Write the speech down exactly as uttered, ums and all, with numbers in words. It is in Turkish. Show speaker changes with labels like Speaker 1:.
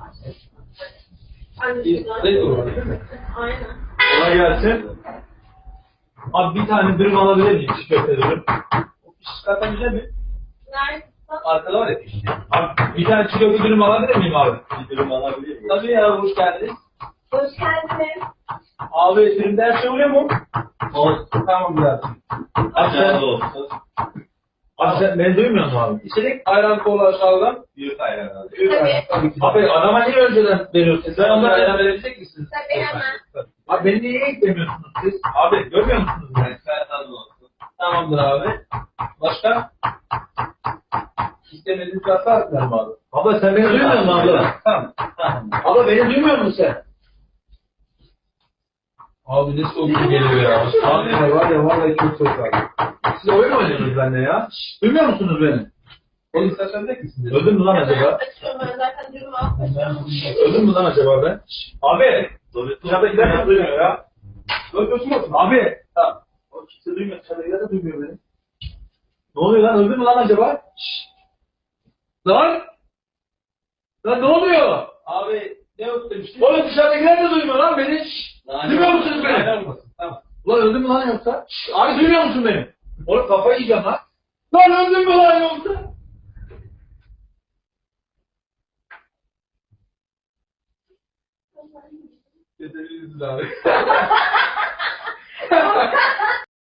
Speaker 1: Ne olur değil mi?
Speaker 2: Aynen.
Speaker 1: Kolay gelsin. Abi bir tane dürüm alabilir miyim? Çiğ köfte dürüm. O piş zaten güzel mi?
Speaker 2: Nerede?
Speaker 1: Arkada var ya pişti. Abi bir tane çiğ köfte dürüm alabilir miyim abi? Bir dürüm alabilir miyim? Tabii ya, hoş geldiniz.
Speaker 2: Hoş geldiniz.
Speaker 1: Abi dürümde her şey oluyor mu? Olsun. Tamam biraz. Abi sen,
Speaker 3: olsun.
Speaker 1: abi sen beni duymuyor musun abi? İçerik ayran kola aşağıdan.
Speaker 3: Büyük ayran abi.
Speaker 2: Tabii.
Speaker 1: Abi adama niye önceden veriyorsunuz? Sen onlara ayran verebilecek misiniz?
Speaker 2: Tabii hemen.
Speaker 1: Abi beni niye eklemiyorsunuz siz? Abi görmüyor musunuz beni?
Speaker 3: Sen tadı olsun.
Speaker 1: Tamamdır abi. Başka? İstemediğiniz varsa atlarım abi. Abla sen beni duymuyor musun abla? Tamam. Tamam. Abla beni duymuyor musun sen? Abi ne soğuk bir geliyor ya. Abi ya var ya vallahi çok soğuk abi. Siz oyun mu oynuyorsunuz benimle ya? Şşş, duymuyor musunuz beni? Oğlum istersen de misiniz? Öldüm mü lan acaba?
Speaker 2: Açıyorum ben zaten durumu almışım.
Speaker 1: Öldüm mü lan acaba ben? Şşş, abi! Dışarıdakiler de duymuyor ya. Öldürsün olsun. Abi! Tamam. O kimse duymuyor. Dışarıdakiler de duymuyor beni. Ne oluyor lan? Öldü mü lan acaba? Şşş! Lan! Lan ne oluyor? Abi ne yok demiştin? Oğlum dışarıdakiler de duymuyor lan beni. Şşş! Duymuyor musunuz beni? Tamam. Ulan öldün mü lan yoksa? Şşş! Abi duymuyor musun beni? Oğlum kafayı yiyeceğim lan. Lan öldün mü lan yoksa? Yeterliyiz abi.